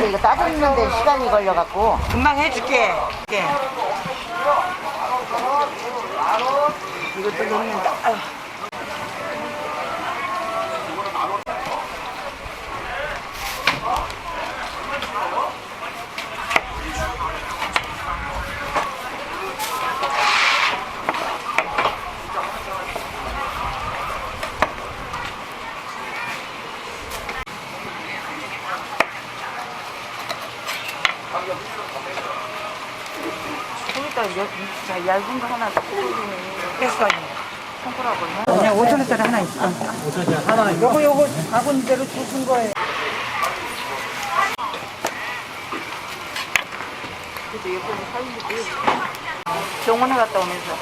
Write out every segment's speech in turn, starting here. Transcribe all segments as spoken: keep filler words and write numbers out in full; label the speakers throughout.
Speaker 1: 근데 이거 따지는데 시간이 걸려갖고.
Speaker 2: 금방 해줄게. 예. 이것도 넣는다. 아유.
Speaker 1: 거기다 얇- 얇은 거 하나
Speaker 2: 됐어.
Speaker 1: 손가락을.
Speaker 2: 그냥 오천 원짜리 하나 있어.
Speaker 3: 오천 원짜리 하나 있어.
Speaker 2: 요거 요거 바구니대로 주신 거예요.
Speaker 1: 그래도 예쁘게 살리지. 병원에 갔다 오면서.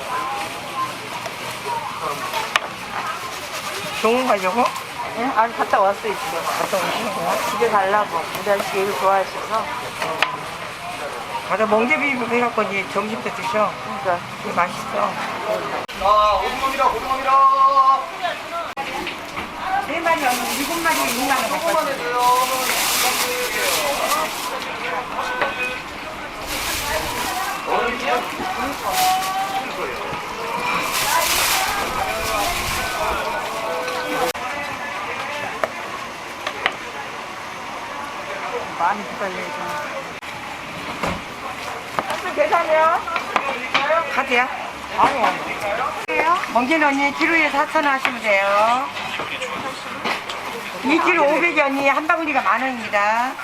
Speaker 2: 병원 가려고?
Speaker 1: 응? 아니, 갔다 왔어, 집에. 갔다 오시는 거야? 집에 가려고. 우리 아저씨 얘를 좋아하셔서.
Speaker 2: 가서 멍게비빔 해갖고 이제 점심 때 드셔.
Speaker 1: 그러니까.
Speaker 2: 이게 맛있어.
Speaker 4: 자, 오징어입니다, 오징어입니다.
Speaker 2: 네 마리 하면 일곱 마리 육만 원
Speaker 4: 조금만
Speaker 2: 갖고
Speaker 4: 해줘요.
Speaker 1: 많이 기다려야죠.
Speaker 2: 계산해요? 카드야?
Speaker 1: 아니, 아니.
Speaker 2: 멍게는 언니 키로에 사천 원 하시면 돼요. 이 킬로 오백이 언니 한 바구니가 만 원입니다.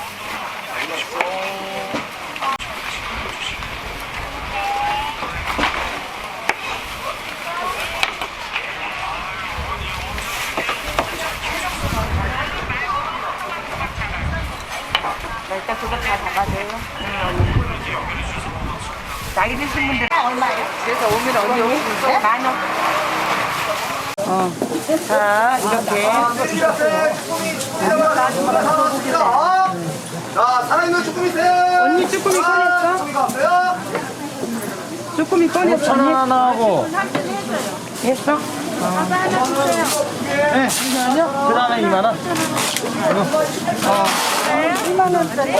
Speaker 1: 나 일단 그거 다 잡아줘요.
Speaker 2: 나이 드신 분들
Speaker 1: 얼마예요? 그래서 오면 언제 오시는데?
Speaker 2: 만 원. 어. 자, 이렇게.
Speaker 4: 자, 살아있는 쭈꾸미세요.
Speaker 2: 언니 쭈꾸미 꺼냈어?
Speaker 4: 쭈꾸미가 없어요?
Speaker 2: 쭈꾸미 꺼냈어.
Speaker 3: 천 원 하나 하고.
Speaker 2: 됐어?
Speaker 3: 네. 그 다음에 이만 원.
Speaker 2: 이만 원짜리.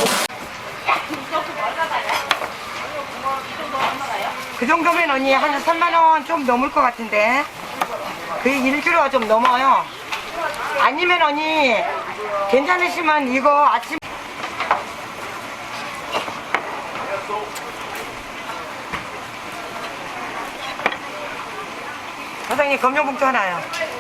Speaker 2: 그 정도면 언니 한 삼만 원 좀 넘을 것 같은데. 그 일 킬로가 좀 넘어요. 아니면 언니 괜찮으시면 이거 아침 사장님 검정봉투 하나요.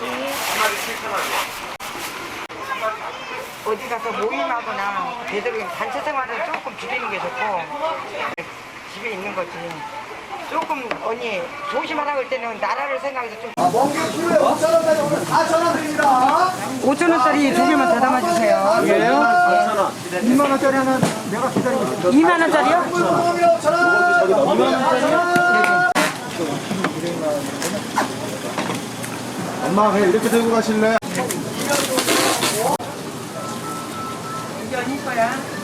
Speaker 2: 어디 가서 모임하거나 되도록 단체 생활을 조금 줄이는 게 좋고 집에 있는 거지. 조금 언니 조심하라고 할 때는 나라를 생각해서 좀
Speaker 4: 아, 멍게 키로에 오천 원짜리 오늘 사천 원 드립니다.
Speaker 2: 오천 원짜리 두 개만 다 담아주세요.
Speaker 3: 이게요? 사천 원.
Speaker 4: 이만 원짜리 하나 내가 기다리고 있어.
Speaker 2: 이만 원짜리요?
Speaker 4: 쭈꾸미 오천 원.
Speaker 3: 이만 원짜리요?
Speaker 4: 엄마 그냥 이렇게 들고 가실래?
Speaker 2: 이게 언니 거야.